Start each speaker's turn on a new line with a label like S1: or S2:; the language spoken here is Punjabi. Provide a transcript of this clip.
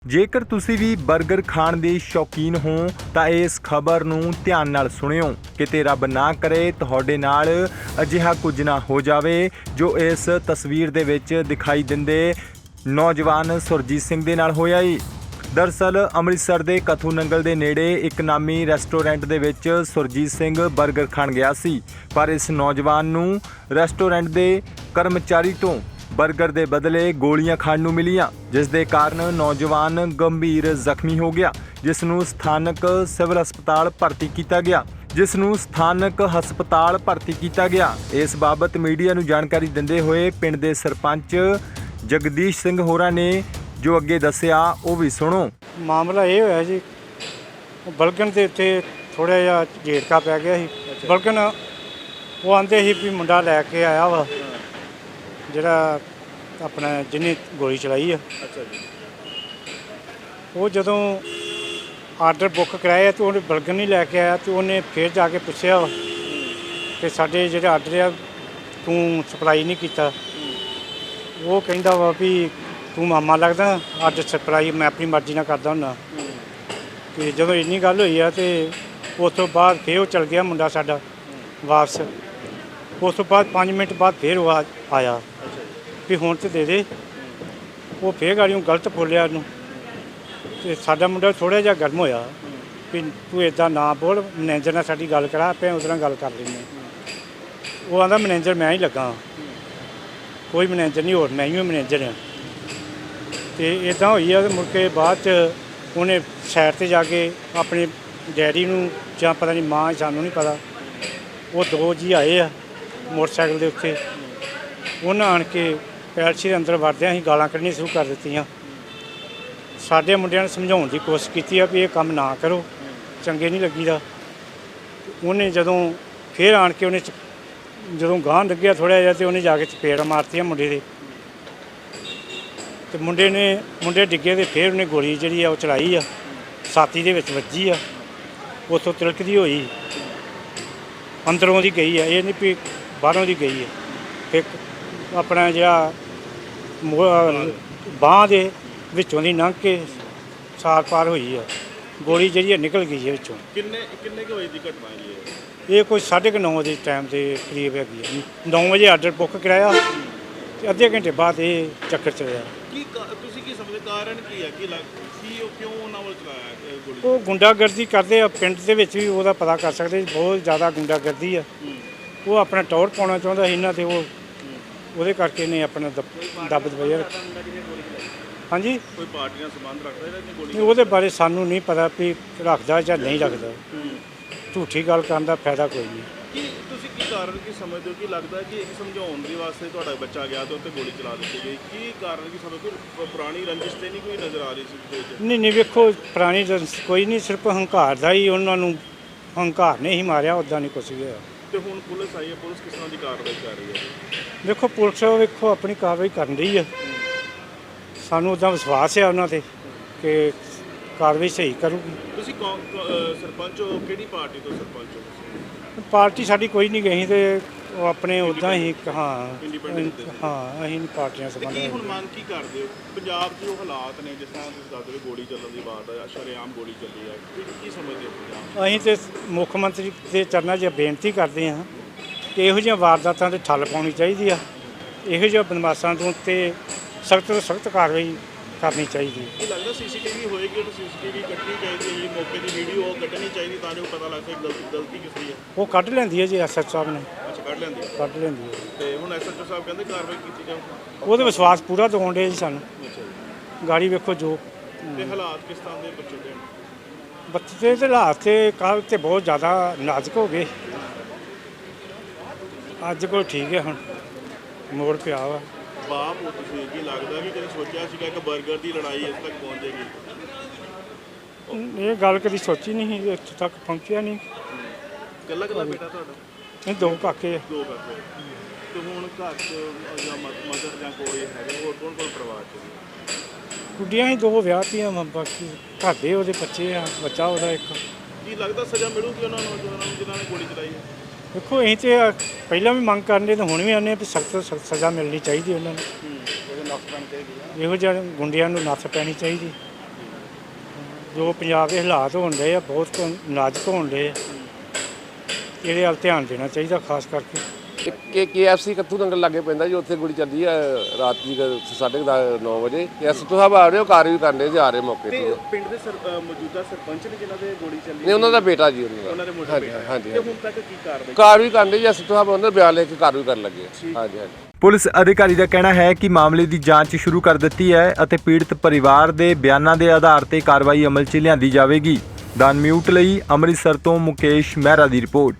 S1: ਜੇਕਰ ਤੁਸੀਂ ਵੀ 버ਗਰ ਖਾਣ ਦੇ ਸ਼ੌਕੀਨ ਹੋ ਤਾਂ ਇਸ ਖਬਰ ਨੂੰ ਧਿਆਨ ਨਾਲ ਸੁਣਿਓ। ਕਿਤੇ ਰੱਬ ਨਾ ਕਰੇ ਤੁਹਾਡੇ ਨਾਲ ਅਜਿਹਾ ਕੁਝ ਨਾ ਹੋ ਜਾਵੇ ਜੋ ਇਸ ਤਸਵੀਰ ਦੇ ਵਿੱਚ ਦਿਖਾਈ ਦਿੰਦੇ ਨੌਜਵਾਨ ਸੁਰਜੀਤ ਸਿੰਘ ਦੇ ਨਾਲ ਹੋਇਆ ਈ। ਦਰਅਸਲ ਅੰਮ੍ਰਿਤਸਰ ਦੇ ਕਥੂ ਨੰਗਲ ਦੇ ਨੇੜੇ ਇੱਕ ਨਾਮੀ ਰੈਸਟੋਰੈਂਟ ਦੇ ਵਿੱਚ ਸੁਰਜੀਤ ਸਿੰਘ 버ਗਰ ਖਾਣ ਗਿਆ ਸੀ, ਪਰ ਇਸ ਨੌਜਵਾਨ ਨੂੰ ਰੈਸਟੋਰੈਂਟ ਦੇ ਕਰਮਚਾਰੀ ਤੋਂ 버ਗਰ ਦੇ ਬਦਲੇ ਗੋਲੀਆਂ ਖਾਣ ਨੂੰ ਮਿਲੀਆਂ, ਜਿਸ ਦੇ ਕਾਰਨ ਨੌਜਵਾਨ ਗੰਭੀਰ ਜ਼ਖਮੀ ਹੋ ਗਿਆ, ਜਿਸ ਨੂੰ ਸਥਾਨਕ ਸਿਵਲ ਹਸਪਤਾਲ ਭਰਤੀ ਕੀਤਾ ਗਿਆ। ਇਸ ਬਾਬਤ ਮੀਡੀਆ ਨੂੰ ਜਾਣਕਾਰੀ ਦਿੰਦੇ ਹੋਏ ਪਿੰਡ ਦੇ ਸਰਪੰਚ ਜਗਦੀਸ਼ ਸਿੰਘ ਹੋਰਾਂ ਨੇ ਜੋ ਅੱਗੇ ਦੱਸਿਆ ਉਹ ਵੀ ਸੁਣੋ।
S2: ਮਾਮਲਾ ਇਹ ਹੋਇਆ ਜੀ, ਬਲਗਨ ਦੇ ਉੱਤੇ ਥੋੜ੍ਹਾ ਜਿਹਾ ਝੇੜਕਾ ਪੈ ਗਿਆ ਸੀ। ਬਲਗਨ ਉਹ ਆਂਦੇ ਸੀ ਵੀ ਮੁੰਡਾ ਲੈ ਕੇ ਆਇਆ ਵਾ ਜਿਹੜਾ ਆਪਣਾ ਜਿਹਨੇ ਗੋਲੀ ਚਲਾਈ ਆ।
S3: ਅੱਛਾ ਜੀ।
S2: ਉਹ ਜਦੋਂ ਆਰਡਰ ਬੁੱਕ ਕਰਾਇਆ ਤਾਂ ਉਹਨੇ ਬਲਗਨ ਨਹੀਂ ਲੈ ਕੇ ਆਇਆ, ਤੇ ਉਹਨੇ ਫਿਰ ਜਾ ਕੇ ਪੁੱਛਿਆ ਵਾ ਕਿ ਸਾਡੇ ਜਿਹੜੇ ਆਰਡਰ ਆ ਤੂੰ ਸਪਲਾਈ ਨਹੀਂ ਕੀਤਾ। ਉਹ ਕਹਿੰਦਾ ਵਾ ਵੀ ਤੂੰ ਮਾਮਾ ਲੱਗਦਾ, ਆਰਡਰ ਸਪਲਾਈ ਮੈਂ ਆਪਣੀ ਮਰਜ਼ੀ ਨਾਲ ਕਰਦਾ ਹੁੰਦਾ। ਅਤੇ ਜਦੋਂ ਇੰਨੀ ਗੱਲ ਹੋਈ ਆ ਅਤੇ ਉਸ ਤੋਂ ਬਾਅਦ ਫਿਰ ਉਹ ਚਲ ਗਿਆ ਮੁੰਡਾ ਸਾਡਾ ਵਾਪਸ। ਉਸ ਤੋਂ ਬਾਅਦ 5 ਮਿੰਟ ਬਾਅਦ ਫਿਰ ਉਹ ਆਇਆ ਵੀ ਹੁਣ ਤਾਂ ਦੇ ਦੇ। ਉਹ ਫਿਰ ਗਾੜੀਆਂ ਗਲਤ ਬੋਲਿਆ ਉਹਨੂੰ, ਅਤੇ ਸਾਡਾ ਮੁੰਡਾ ਥੋੜ੍ਹਾ ਜਿਹਾ ਗਰਮ ਹੋਇਆ ਵੀ ਤੂੰ ਇੱਦਾਂ ਨਾ ਬੋਲ, ਮੈਨੇਜਰ ਨਾਲ ਸਾਡੀ ਗੱਲ ਕਰਾ, ਆਪਾਂ ਉਹਦੇ ਨਾਲ ਗੱਲ ਕਰ ਲੈਂਦੇ। ਉਹ ਆਂਦਾ ਮੈਨੇਜਰ ਮੈਂ ਹੀ ਲੱਗਾ, ਕੋਈ ਮੈਨੇਜਰ ਨਹੀਂ, ਹੋਰ ਮੈਂ ਹੀ ਮੈਨੇਜਰ ਹਾਂ। ਅਤੇ ਇੱਦਾਂ ਹੋਈ ਆ। ਮੁੜ ਕੇ ਬਾਅਦ 'ਚ ਉਹਨੇ ਸਾਈਡ 'ਤੇ ਜਾ ਕੇ ਆਪਣੇ ਡੈਡੀ ਨੂੰ ਜਾਂ ਪਤਾ ਨਹੀਂ ਮਾਂ, ਸਾਨੂੰ ਨਹੀਂ ਪਤਾ, ਉਹ 2 ਜੀ ਆਏ ਆ ਮੋਟਰਸਾਈਕਲ ਦੇ ਉੱਤੇ। ਉਹਨਾਂ ਆਣ ਕੇ ਪੈਲਸੀ ਦੇ ਅੰਦਰ ਵੜਦਿਆਂ ਅਸੀਂ ਗਾਲਾਂ ਕੱਢਣੀਆਂ ਸ਼ੁਰੂ ਕਰ ਦਿੱਤੀਆਂ। ਸਾਡੇ ਮੁੰਡਿਆਂ ਨੇ ਸਮਝਾਉਣ ਦੀ ਕੋਸ਼ਿਸ਼ ਕੀਤੀ ਆ ਵੀ ਇਹ ਕੰਮ ਨਾ ਕਰੋ, ਚੰਗੇ ਨਹੀਂ ਲੱਗੀਦਾ। ਉਹਨੇ ਜਦੋਂ ਫਿਰ ਆਣ ਕੇ ਉਹਨੇ ਜਦੋਂ ਗਾਂਹ ਲੱਗਿਆ ਥੋੜ੍ਹਾ ਜਿਹਾ, ਅਤੇ ਉਹਨੇ ਜਾ ਕੇ ਚਪੇੜ ਮਾਰਤੀਆਂ ਮੁੰਡੇ ਦੇ, ਅਤੇ ਮੁੰਡੇ ਡਿੱਗੇ, ਅਤੇ ਫਿਰ ਉਹਨੇ ਗੋਲੀ ਜਿਹੜੀ ਆ ਉਹ ਚਲਾਈ ਆ, ਛਾਤੀ ਦੇ ਵਿੱਚ ਵੱਜੀ ਆ। ਉੱਥੋਂ ਤਿਲਕਦੀ ਹੋਈ ਅੰਦਰੋਂ ਦੀ ਗਈ ਆ, ਇਹ ਨਹੀਂ ਵੀ ਬਾਹਰੋਂ ਦੀ ਗਈ ਆ। ਫਿਰ ਆਪਣਾ ਜਿਹੜਾ ਬਾਂਹ ਦੇ ਵਿੱਚੋਂ ਦੀ ਲੰਘ ਕੇ ਸਾਰ ਪਾਰ ਹੋਈ ਆ, ਗੋਲੀ ਜਿਹੜੀ ਆ ਨਿਕਲ ਗਈ ਹੈ ਵਿੱਚੋਂ।
S3: ਕਿੰਨੇ ਕੁ ਵਜੇ ਦੀ ਘਟਨਾ ਹੈ
S2: ਇਹ ਕੋਈ 9:30 ਦੇ ਟਾਈਮ ਦੇ ਕਰੀਬ ਹੈਗੀ ਆ। 9 ਵਜੇ ਆਰਡਰ ਬੁੱਕ ਕਰਾਇਆ ਅਤੇ ਅੱਧੇ ਘੰਟੇ ਬਾਅਦ ਇਹ ਚੱਕਰ ਚੱਲਿਆ।
S3: ਤੁਸੀਂ ਕੀ ਸਮਝਦੇ ਕਾਰਨ ਕੀ ਹੈ ਕਿ ਉਹ ਕਿਉਂ ਉਹਨਾਂ ਵੱਲ ਚਲਾਇਆ ਗੋਲੀ?
S2: ਉਹ ਗੁੰਡਾਗਰਦੀ ਕਰਦੇ ਆ ਪਿੰਡ ਦੇ ਵਿੱਚ ਵੀ, ਉਹਦਾ ਪਤਾ ਕਰ ਸਕਦੇ, ਬਹੁਤ ਜ਼ਿਆਦਾ ਗੁੰਡਾਗਰਦੀ ਆ। ਉਹ ਆਪਣਾ ਟੌਰ ਪਾਉਣਾ ਚਾਹੁੰਦਾ ਸੀ ਇਹਨਾਂ 'ਤੇ, ਉਹਦੇ ਕਰਕੇ ਨੇ ਆਪਣਾ ਦੱਬ ਦਬਾਇਆ। ਹਾਂਜੀ,
S3: ਕੋਈ ਪਾਰਟੀ ਨਾਲ ਸੰਬੰਧ ਰੱਖਦਾ ਇਹਨੇ ਗੋਲੀ?
S2: ਨਹੀਂ, ਉਹਦੇ ਬਾਰੇ ਸਾਨੂੰ ਨਹੀਂ ਪਤਾ ਵੀ ਰੱਖਦਾ ਜਾਂ ਨਹੀਂ ਰੱਖਦਾ। ਝੂਠੀ ਗੱਲ ਕਰਨ ਦਾ ਫਾਇਦਾ ਕੋਈ ਨਹੀਂ।
S3: ਤੁਸੀਂ ਕੀ ਕਾਰਨ ਕੀ ਸਮਝਦੇ ਹੋ? ਕਿ ਲੱਗਦਾ ਕਿ ਇੱਕ ਸਮਝਾਉਣ ਦੇ ਵਾਸਤੇ ਤੁਹਾਡਾ ਬੱਚਾ ਗਿਆ ਤੇ ਉੱਤੇ ਗੋਲੀ ਚਲਾ ਦਿੱਤੀ ਗਈ, ਕੀ ਕਾਰਨ ਕੀ ਸਮਝਦੇ ਹੋ? ਪੁਰਾਣੀ ਰੰਜਿਸ਼ ਤੇ ਨਹੀਂ ਕੋਈ ਨਜ਼ਰ ਆ ਰਹੀ ਸੀ?
S2: ਨਹੀਂ, ਵੇਖੋ ਪੁਰਾਣੀ ਕੋਈ ਨਹੀਂ, ਸਿਰਫ ਹੰਕਾਰ ਦਾ ਹੀ ਉਹਨਾਂ ਨੂੰ ਹੰਕਾਰ ਨੇ ਹੀ ਮਾਰਿਆ, ਉੱਦਾਂ ਨਹੀਂ ਕੁਛ ਵੀ ਹੋਇਆ।
S3: ਤੇ ਹੁਣ ਪੁਲਿਸ ਆਈ ਹੈ, ਪੁਲਿਸ ਕਿਸ ਤਰ੍ਹਾਂ ਦੀ ਕਾਰਵਾਈ ਕਰ ਰਹੀ ਹੈ?
S2: ਵੇਖੋ ਪੁਲਿਸ ਆਪਣੀ ਕਾਰਵਾਈ ਕਰਨ ਰਹੀ ਆ। ਸਾਨੂੰ ਉੱਦਾਂ ਵਿਸ਼ਵਾਸ ਹੈ ਉਹਨਾਂ 'ਤੇ ਕਿ ਕਾਰਵਾਈ ਸਹੀ ਕਰੂਗੀ।
S3: ਤੁਸੀਂ ਸਰਪੰਚ ਹੋ, ਕਿਹੜੀ ਪਾਰਟੀ ਤੋਂ ਸਰਪੰਚ ਹੋ?
S2: ਪਾਰਟੀ ਸਾਡੀ ਕੋਈ ਨਹੀਂ ਗਈ, ਤੇ ਉਹ ਆਪਣੇ ਉੱਦਾਂ ਹੀ
S3: ਇੰਡੀਪੈਂਡੈਂਟ?
S2: ਹਾਂ, ਅਸੀਂ ਪਾਰਟੀਆਂ ਸੰਬੰਧ।
S3: ਕੀ ਹੁਣ ਮੰਗ ਕੀ ਕਰਦੇ ਹੋ? ਪੰਜਾਬ 'ਚ ਜੋ ਹਾਲਾਤ ਨੇ, ਜਿਸ ਤਰ੍ਹਾਂ ਤੁਸੀਂ ਦੱਸਦੇ ਹੋ ਗੋਲੀ ਚੱਲਣ ਦੀ ਬਾਤ ਹੈ, ਸ਼ਰੇਆਮ ਗੋਲੀ ਚੱਲੀ ਹੈ, ਕੀ ਸਮਝਦੇ ਹੋ ਪੰਜਾਬ?
S2: ਅਸੀਂ ਤਾਂ ਮੁੱਖ ਮੰਤਰੀ ਦੇ ਚਰਨਾਂ 'ਚ ਬੇਨਤੀ ਕਰਦੇ ਹਾਂ ਕਿ ਇਹੋ ਜਿਹੀਆਂ ਵਾਰਦਾਤਾਂ 'ਤੇ ਠੱਲ ਪਾਉਣੀ ਚਾਹੀਦੀ ਆ। ਇਹੋ ਜਿਹੇ ਬਦਮਾਸ਼ਾਂ ਤੋਂ ਉੱਤੇ ਸਖਤ ਤੋਂ ਸਖਤ ਕਾਰਵਾਈ ਕਰਨੀ ਚਾਹੀਦੀ ਹੈ।
S3: ਕੀ ਲੱਗਦਾ CCTV ਹੋਏਗੀ, ਉਹ CCTV ਕੱਢਣੀ ਚਾਹੀਦੀ ਹੈ, ਜਿਹੜੀ ਮੌਕੇ ਦੀ ਵੀਡੀਓ ਉਹ ਕੱਢਣੀ ਚਾਹੀਦੀ ਤਾਂ ਜੋ ਪਤਾ ਲੱਗ ਸਕੇ ਗਲਤੀ ਕਿਸ ਦੀ ਹੈ?
S2: ਉਹ ਕੱਢ ਲੈਂਦੀ ਹੈ ਜੀ SHO ਸਾਹਿਬ ਨੇ।
S3: ਅੱਛਾ, ਕੱਢ ਲੈਂਦੀ ਹੈ।
S2: ਕੱਢ ਲੈਂਦੀ ਹੈ।
S3: ਤੇ ਹੁਣ SHO ਸਾਹਿਬ ਕਹਿੰਦੇ ਕਾਰਵਾਈ ਕੀਤੀ ਜਾਊ?
S2: ਉਹਦੇ ਵਿਸ਼ਵਾਸ ਪੂਰਾ ਦਿਵਾਉਣ ਡੇ ਜੀ ਸਾਨੂੰ।
S3: ਅੱਛਾ ਜੀ।
S2: ਗਾੜੀ ਵੇਖੋ ਜੋ
S3: ਤੇ ਹਾਲਾਤ ਕਿਸ ਤਰ੍ਹਾਂ ਦੇ ਬੱਚੇ ਦੇ?
S2: ਬੱਚੇ ਦੇ ਹਾਲਾਤ ਤੇ ਕੱਲ੍ਹ ਤੇ ਬਹੁਤ ਜ਼ਿਆਦਾ ਨਾਜ਼ੁਕ ਹੋ ਗਏ, ਅੱਜ ਕੋਲ ਠੀਕ ਹੈ, ਹੁਣ ਮੋੜ ਪਿਆ ਵਾ।
S3: ਬਾਪ ਹੋ ਤੁਸੀਂ, ਕੀ ਲੱਗਦਾ ਕਿ ਕਦੇ ਸੋਚਿਆ ਸੀਗਾ ਇੱਕ 버ਗਰ ਦੀ ਲੜਾਈ ਇਸ ਤੱਕ ਪਹੁੰਚ ਜਾਏਗੀ?
S2: ਇਹ ਗੱਲ ਕਦੀ ਸੋਚੀ ਨਹੀਂ ਸੀ, ਇੱਥੇ ਤੱਕ ਪਹੁੰਚਿਆ ਨਹੀਂ।
S3: ਇਕੱਲਾ ਬੇਟਾ ਤੁਹਾਡਾ?
S2: ਇਹ 2 ਕਾਕੇ ਆ।
S3: 2 ਕਾਕੇ। ਤੇ ਹੁਣ ਘਰ 'ਚ ਜਾਂ ਮਦਰ ਜਾਂ ਕੋਈ ਹੈਗਾ, ਹੋਰ ਕੌਣ ਪਰਿਵਾਰ 'ਚ?
S2: ਗੁੱਡੀਆਂ ਹੀ 2 ਵਿਆਹਤੀਆਂ, ਬਾਕੀ ਘਰ ਦੇ ਉਹਦੇ ਬੱਚੇ ਆ, ਬੱਚਾ ਉਹਦਾ ਇੱਕ।
S3: ਕੀ ਲੱਗਦਾ ਸਜ਼ਾ ਮਿਲੂਗੀ ਉਹਨਾਂ ਨੂੰ ਜਿਨ੍ਹਾਂ ਨੇ ਗੋਲੀ ਚਲਾਈ ਹੈ?
S2: ਦੇਖੋ ਅਸੀਂ ਤਾਂ ਪਹਿਲਾਂ ਵੀ ਮੰਗ ਕਰਨੇ ਤੇ ਹੁਣ ਵੀ ਆਉਂਦੇ ਵੀ ਸਖਤ ਤੋਂ ਸਖਤ ਸਜ਼ਾ ਮਿਲਣੀ ਚਾਹੀਦੀ ਉਹਨਾਂ ਨੂੰ। ਇਹੋ ਜਿਹੇ ਗੁੰਡਿਆਂ ਨੂੰ ਨੱਥ ਪੈਣੀ ਚਾਹੀਦੀ। ਜੋ ਪੰਜਾਬ ਦੇ ਹਾਲਾਤ ਹੋਣ ਡਏ ਆ ਬਹੁਤ ਨਾਜ਼ੁਕ ਹੋਣ ਡਏ ਆ। ਇਹਦੇ ਵੱਲ ਧਿਆਨ ਦੇਣਾ ਚਾਹੀਦਾ ਖਾਸ ਕਰਕੇ।
S4: KFC ਕੱਥੂ ਨੰਗਲ ਲਾਗੇ ਪੈਂਦਾ ਜੀ, ਉੱਥੇ ਗੋਲੀ ਚੱਲੀ ਆ ਰਾਤ ਦੀ 9:30 ਵਜੇ। ਐਸਪੀ ਸਾਹਿਬ ਆ ਰਹੇ ਹੋ, ਕਾਰ ਵੀ ਕਰਨੇ ਜੀ, ਆ ਰਹੇ ਮੌਕੇ
S3: ਤੇ
S4: ਤੇ।
S3: ਪਿੰਡ ਦੇ ਮੌਜੂਦਾ ਸਰਪੰਚ ਨੇ ਜਿਨ੍ਹਾਂ ਦੇ ਗੋਲੀ ਚੱਲੀ
S4: ਨਹੀਂ, ਉਹਨਾਂ ਦਾ ਬੇਟਾ ਜੀ,
S3: ਉਹਨਾਂ ਦੇ ਮੁੰਡੇ
S4: ਹਾਂਜੀ
S3: ਬੇਟਾ।
S4: ਹਾਂਜੀ
S3: ਤੇ ਹੁਣ ਤੱਕ ਕੀ ਕਾਰਵਾਈ?
S4: ਕਾਰ ਵੀ ਕਰਨੇ ਜੀ, ਐਸਪੀ ਸਾਹਿਬ ਉਹਨਾਂ ਦਾ ਬਿਆਨ ਲੈ ਕੇ ਕਾਰ ਵੀ ਕਰਨ ਲੱਗੇ। ਹਾਂਜੀ ਹਾਂਜੀ।
S1: ਪੁਲਿਸ ਅਧਿਕਾਰੀ ਦਾ ਕਹਿਣਾ ਹੈ ਕਿ ਮਾਮਲੇ ਦੀ ਜਾਂਚ ਸ਼ੁਰੂ ਕਰ ਦਿੱਤੀ ਹੈ ਅਤੇ ਪੀੜਤ ਪਰਿਵਾਰ ਦੇ ਬਿਆਨਾਂ ਦੇ ਆਧਾਰ ਤੇ ਕਾਰਵਾਈ ਅਮਲ 'ਚ ਲਿਆਂਦੀ ਜਾਵੇਗੀ। ਦਾ ਮਿਊਟ ਲਈ ਅੰਮ੍ਰਿਤਸਰ ਤੋਂ ਮੁਕੇਸ਼ ਮਹਿਰਾ ਦੀ ਰਿਪੋਰਟ।